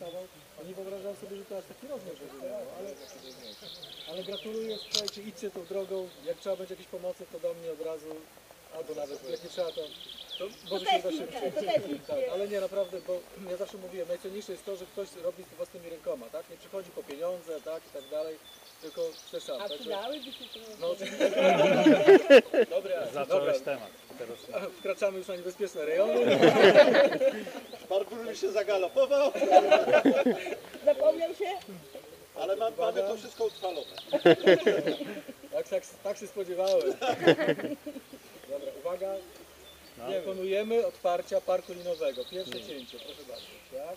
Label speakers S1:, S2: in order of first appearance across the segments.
S1: dostawał. Nie wyobrażałem sobie, że to aż taki rozmiar będzie miało, ale gratuluję, słuchajcie, idźcie tą drogą, jak trzeba będzie jakieś pomocy, to do mnie od razu, albo nawet jak nie trzeba, to może się uda szybciej. Tak, ale nie, naprawdę, bo ja zawsze mówiłem, najcenniejsze jest to, że ktoś robi to własnymi rękoma, tak? Nie przychodzi po pieniądze, tak, i tak dalej, tylko chce sam.
S2: A
S1: Także,
S2: przydałyby się
S1: no oczywiście. Dobra,
S3: Zacząłeś temat. Teraz
S1: wkraczamy już na niebezpieczne rejony.
S4: Barburz mi się zagalopował,
S2: Zapomniał się?
S4: ale mamy to wszystko utrwalone.
S1: Tak się spodziewałem. Dobra, uwaga. Wykonujemy otwarcia parku linowego. Pierwsze cięcie, proszę bardzo. Tak?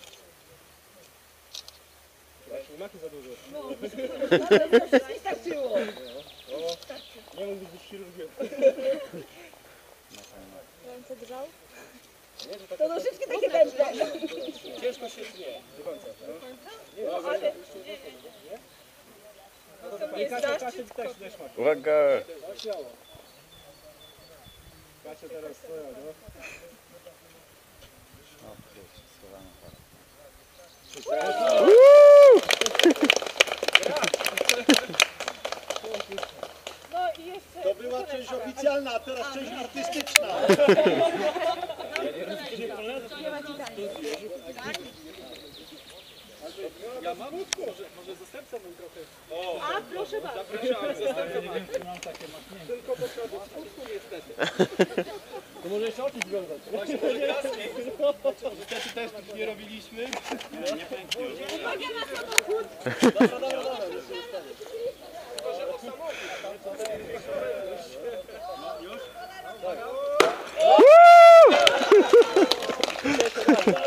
S1: Nie macie za dużo.
S2: No, to nie starczyło.
S1: Nie mógłbyś być chirurgiem.
S5: Ręce grzał?
S1: Nie, że tak
S2: To nożyczki takie wężne.
S1: ciężko się nie. Do końca. Nie,
S2: No,
S1: dobra,
S2: ale...
S1: nie? Nie, Kasia też ma.
S3: uwaga!
S1: No, śmiało. Kasia teraz swoja, no.
S3: O kurczę, schowamy parę.
S2: No i jeszcze...
S4: To była część oficjalna, a teraz część artystyczna.
S1: Ja mam może zastępca bym trochę.
S2: A, proszę bardzo.
S1: Zapraszam, zastępca mam takie machnięcie. Tylko potrzeba spusku niestety. To może jeszcze oczy związać. Właśnie może kaski. Niestety też tak nie robiliśmy. Nie pęknie.
S2: Uwaga na samochód.
S1: Dobra. Tylko, że o samochód. Już? Tak.